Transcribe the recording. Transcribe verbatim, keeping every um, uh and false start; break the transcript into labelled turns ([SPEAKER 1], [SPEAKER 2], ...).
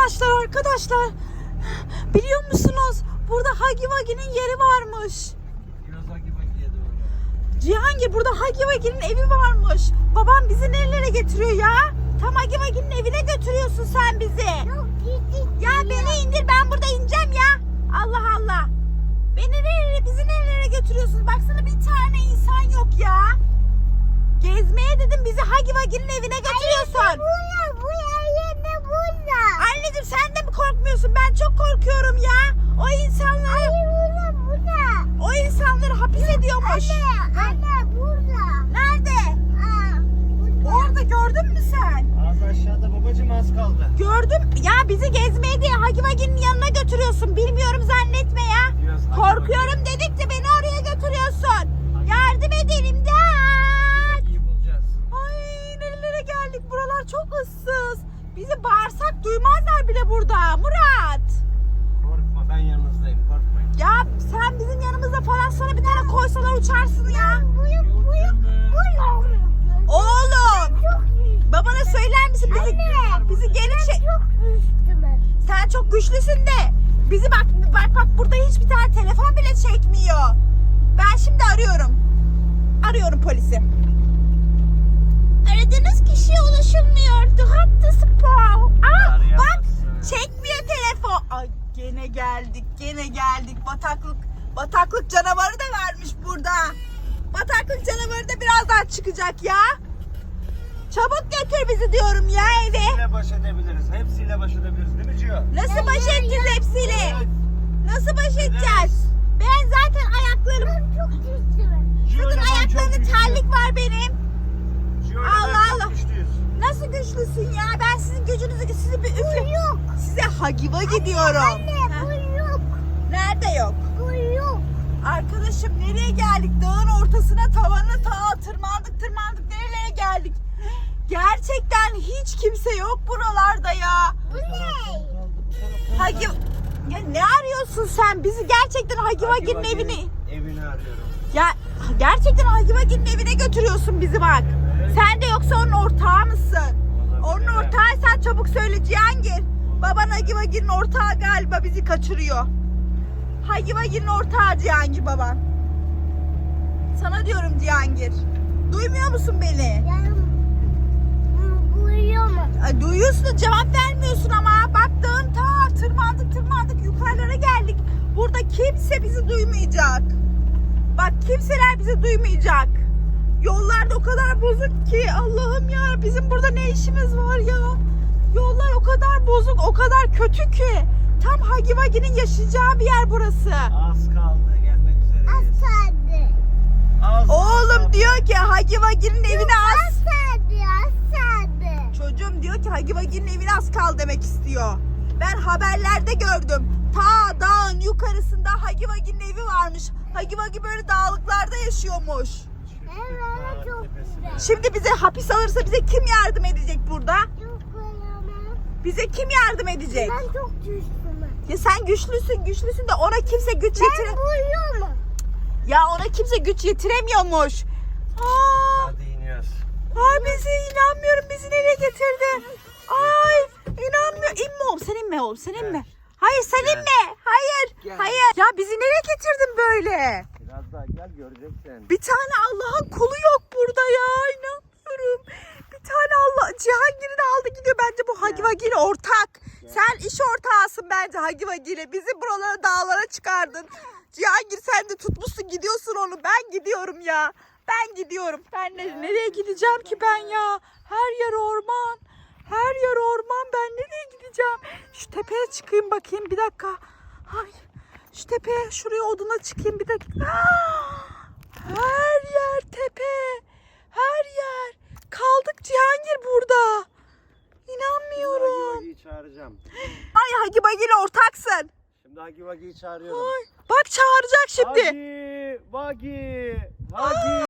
[SPEAKER 1] Arkadaşlar arkadaşlar biliyor musunuz? Burada Huggy Wuggy'nin yeri varmış. Cihangir, burada Huggy Wuggy'nin evi varmış. Babam bizi nerelere getiriyor ya? Tam Huggy Wuggy'nin evine götürüyorsun sen bizi. Ya beni indir, ben burada ineceğim ya. Allah Allah. Beni nerelere, bizi nerelere götürüyorsun? Baksana bir tane insan yok ya. Gezmeye dedim, bizi Huggy Wuggy'nin evine götürüyorsun.
[SPEAKER 2] Anne burada, bu yerine burada.
[SPEAKER 1] Anneciğim sen de mi korkmuyorsun? Ben çok korkuyorum ya. O insanları...
[SPEAKER 2] Anne burada, burada.
[SPEAKER 1] O insanları hapis ediyormuş.
[SPEAKER 2] Anne, anne burada.
[SPEAKER 1] Nerede?
[SPEAKER 2] Aa, burada.
[SPEAKER 1] Orada gördün mü sen?
[SPEAKER 3] Az aşağıda babacığım, az kaldı.
[SPEAKER 1] Gördüm. Ya bizi gezmeye diye Huggy Wuggy'nin yanına götürüyorsun. Bilmiyorum zannetme ya.
[SPEAKER 3] Biraz
[SPEAKER 1] Korkuyorum dedikçe beni oraya götürüyorsun. Yardım edin, imdat.
[SPEAKER 3] İyi bulacağız.
[SPEAKER 1] Ay nerelere geldik. Buralar çok ıssız. Bizi bağırsak duymazlar bile burada Murat.
[SPEAKER 3] Korkma, ben yanınızdayım, korkmayın.
[SPEAKER 1] Ya sen bizim yanımızda falan sana bir tane koysalar uçarsın ya.
[SPEAKER 2] Buyur, buyur, buyur.
[SPEAKER 1] Oğlum. Babana söyler misin bizi,
[SPEAKER 2] Anne,
[SPEAKER 1] bizi geri çek.
[SPEAKER 2] Çok üstüme.
[SPEAKER 1] Sen çok güçlüsün de bizi bak bak bak burada hiçbir tane telefon bile çekmiyor. Ben şimdi arıyorum. Arıyorum polisi. Aradığınız kişiye ulaşılmıyor. The hattı spor. Aa bak çekmiyor telefon. Ay gene geldik gene geldik. Bataklık bataklık canavarı da varmış burada. Bataklık canavarı da birazdan çıkacak ya. Çabuk götür bizi diyorum ya eve.
[SPEAKER 3] Hepsiyle baş edebiliriz, hepsiyle baş edebiliriz değil mi Cio?
[SPEAKER 1] Nasıl baş edeceğiz hepsiyle?
[SPEAKER 3] Evet.
[SPEAKER 1] Nasıl baş edeceğiz? Ben zaten ayaklarım...
[SPEAKER 2] Çok üstüme.
[SPEAKER 3] Cio,
[SPEAKER 1] Bakın
[SPEAKER 3] neden çok
[SPEAKER 1] ayaklarımda
[SPEAKER 3] güçlü?
[SPEAKER 1] terlik var benim.
[SPEAKER 3] Cio, neden
[SPEAKER 1] Allah
[SPEAKER 3] çok
[SPEAKER 1] Allah.
[SPEAKER 3] güçlüyüz?
[SPEAKER 1] Nasıl güçlüsün ya? Ben sizin gücünüzü sizi bir üfle...
[SPEAKER 2] Yok.
[SPEAKER 1] Size Huggy Wuggy diyorum.
[SPEAKER 2] Anne,
[SPEAKER 1] Ha,
[SPEAKER 2] bu yok.
[SPEAKER 1] nerede yok?
[SPEAKER 2] Bu yok.
[SPEAKER 1] Arkadaşım nereye geldik? Dağın ortasına, tavanına ta tırmandık tırmandık nerelere geldik? Gerçekten hiç kimse yok buralarda ya.
[SPEAKER 2] Bu ne?
[SPEAKER 1] Huggy... Ya ne arıyorsun sen? Bizi gerçekten Huggy
[SPEAKER 3] Huggy
[SPEAKER 1] Wuggy'nin
[SPEAKER 3] Wuggy'nin
[SPEAKER 1] evini...
[SPEAKER 3] Evini arıyorum.
[SPEAKER 1] Ya gerçekten Huggy Wuggy'nin evine götürüyorsun bizi bak.
[SPEAKER 3] Evet.
[SPEAKER 1] Sen de yoksa onun ortağı mısın?
[SPEAKER 3] Olabilir.
[SPEAKER 1] Onun ortağıysan çabuk söyle Cihangir. Baban Huggy Wuggy'nin ortağı galiba bizi kaçırıyor. Huggy Wuggy'nin ortağı Cihangir baban. Sana diyorum Cihangir. Duymuyor musun beni?
[SPEAKER 2] Yani bu yok mu?
[SPEAKER 1] Ay, duyuyorsun da cevap vermiyorsun ama. Bak dağın ta tırmandık tırmandık yukarılara geldik. Burada kimse bizi duymayacak. Bak kimseler bizi duymayacak. Yollar da o kadar bozuk ki Allah'ım ya, bizim burada ne işimiz var ya? Yollar o kadar bozuk, o kadar kötü ki. Tam Huggy Wuggy'nin yaşayacağı bir yer burası.
[SPEAKER 3] Az kaldı, gelmek üzereyiz.
[SPEAKER 2] Asadı.
[SPEAKER 3] Az
[SPEAKER 1] Oğlum
[SPEAKER 3] kaldı.
[SPEAKER 1] diyor ki Huggy Wuggy'nin evine az.
[SPEAKER 2] Asadı, asadı.
[SPEAKER 1] Çocuğum diyor ki Huggy Wuggy'nin evine az kal demek istiyor. Ben haberlerde gördüm. Ta dağın yukarısında Huggy Wuggy'nin evi varmış. Huggy Wuggy böyle dağlıklarda yaşıyormuş.
[SPEAKER 2] Evet, çok güzel.
[SPEAKER 1] Şimdi bize hapis alırsa bize kim yardım edecek burada?
[SPEAKER 2] Çok güzel.
[SPEAKER 1] Bize kim yardım edecek?
[SPEAKER 2] Ben çok düştüm.
[SPEAKER 1] Ya sen güçlüsün güçlüsün de ona kimse güç
[SPEAKER 2] Ben
[SPEAKER 1] yetire...
[SPEAKER 2] buyuyor mu?
[SPEAKER 1] Ya ona kimse güç yetiremiyormuş. Aa,
[SPEAKER 3] Hadi iniyoruz.
[SPEAKER 1] ay bizi inanmıyorum, bizi nereye getirdi? Ay inanmıyorum. İnme oğlum, sen inme oğlum, sen inme. Hayır sen
[SPEAKER 3] Gel.
[SPEAKER 1] inme. Hayır.
[SPEAKER 3] Gel.
[SPEAKER 1] Hayır. Ya bizi nereye getirdin böyle?
[SPEAKER 3] Biraz daha gel, göreceksin.
[SPEAKER 1] Bir tane Allah'ın kulu yok burada ya. İnanmıyorum. Bir tane Allah. Cihangir'i de aldı gidiyor. Bence bu Huggy Wuggy ile ortak. Sen iş ortağısın bence Huggy Wuggy ile. Bizi buralara, dağlara çıkardın. Cihangir sen de tutmuşsun gidiyorsun onu. Ben gidiyorum ya. Ben gidiyorum. Ben ne, nereye gideceğim ki ben ya? Her yer orman. Her yer orman. Ben nereye gideceğim? Şu tepeye çıkayım bakayım bir dakika. Ay. Şu tepeye, şuraya oduna çıkayım bir dakika. Her yer tepe. Her yer. Kaldık Cihangir burada. İnanmıyorum.
[SPEAKER 3] Huggy Wuggy'yi çağıracağım.
[SPEAKER 1] Ay Huggy Wuggy ile ortaksın.
[SPEAKER 3] Şimdi Huggy Wuggy'yi çağırıyorum.
[SPEAKER 1] Ay, bak çağıracak şimdi.
[SPEAKER 3] Huggy Wuggy. Huggy.